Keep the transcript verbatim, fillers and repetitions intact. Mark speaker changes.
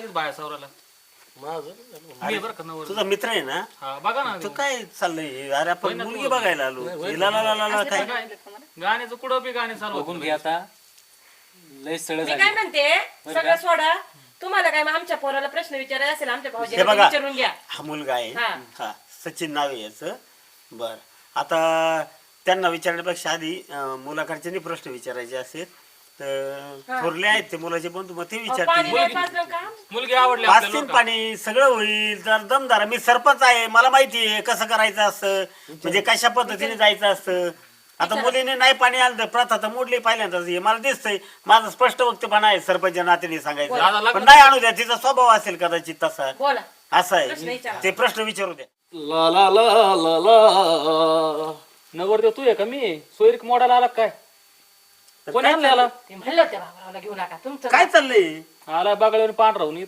Speaker 1: आधीच बाया सावराला
Speaker 2: माझं
Speaker 1: मी बरं का नवर
Speaker 3: तुझा मित्र आहे ना
Speaker 1: हा बघा ना
Speaker 3: तू काय चाललंय अरे आपण
Speaker 1: ना
Speaker 3: मुलगी
Speaker 1: तू.
Speaker 3: बघायला आलो हिला ला ला ला ला काय
Speaker 1: गाण्याचं कुठं बी गाणे चालू
Speaker 4: बघून घे आता लय सळ
Speaker 5: मी
Speaker 4: झाली
Speaker 5: काय म्हणते सगळं सोडा तुम्हाला काय मग आमच्या पोराला प्रश्न विचारायचा असेल आमच्या
Speaker 3: हे
Speaker 5: भाऊजीला
Speaker 3: बघा
Speaker 5: विचारून घ्या
Speaker 3: हा मुलगा आहे
Speaker 5: हा.
Speaker 3: हा सचिन नाव आहे याचं बर आता त्यांना विचारण्यापेक्षा आधी अं, मुलाकडचे प्रश्न विचारायचे असेल तर थोरले आहेत ते मुलाचे बंधू मग ते
Speaker 5: पाणी
Speaker 3: विचारतील
Speaker 5: नाही पाजलं का
Speaker 1: मुलगी आवडली
Speaker 3: पाच
Speaker 1: आपल्याला
Speaker 3: तीन
Speaker 1: बरं का?
Speaker 3: पाणी सगळं होईल तर दमदार मी सरपंच आहे मला माहिती आहे कसं करायचं असतं म्हणजे कशा पद्धतीने जायचं असतं आता मुलीने नाही पाणी आलं तर प्रथा तर मोडली पहिल्यांदाच हे मला दिसतंय माझं स्पष्ट वक्तव्य आहे सरपंच नात्याने
Speaker 1: दादा
Speaker 3: सांगायचं
Speaker 1: लग्न-
Speaker 3: पण नाही आणू द्या तिचा स्वभाव असेल कदाचित तसा
Speaker 5: बोला
Speaker 3: असा
Speaker 5: प्रश्न
Speaker 3: आहे
Speaker 5: विचारा.
Speaker 3: ते प्रश्न विचारू द्या
Speaker 4: ला ला ला ला ला
Speaker 1: नवरदेव तू आहे का मी सोयरीक मोडाला आला काय कोणी आणलं आला
Speaker 5: ते म्हणलं त्या बाबरावला घेऊ नका तुमचं
Speaker 3: काय चाललंय
Speaker 1: आला बघायला पांढरा होऊन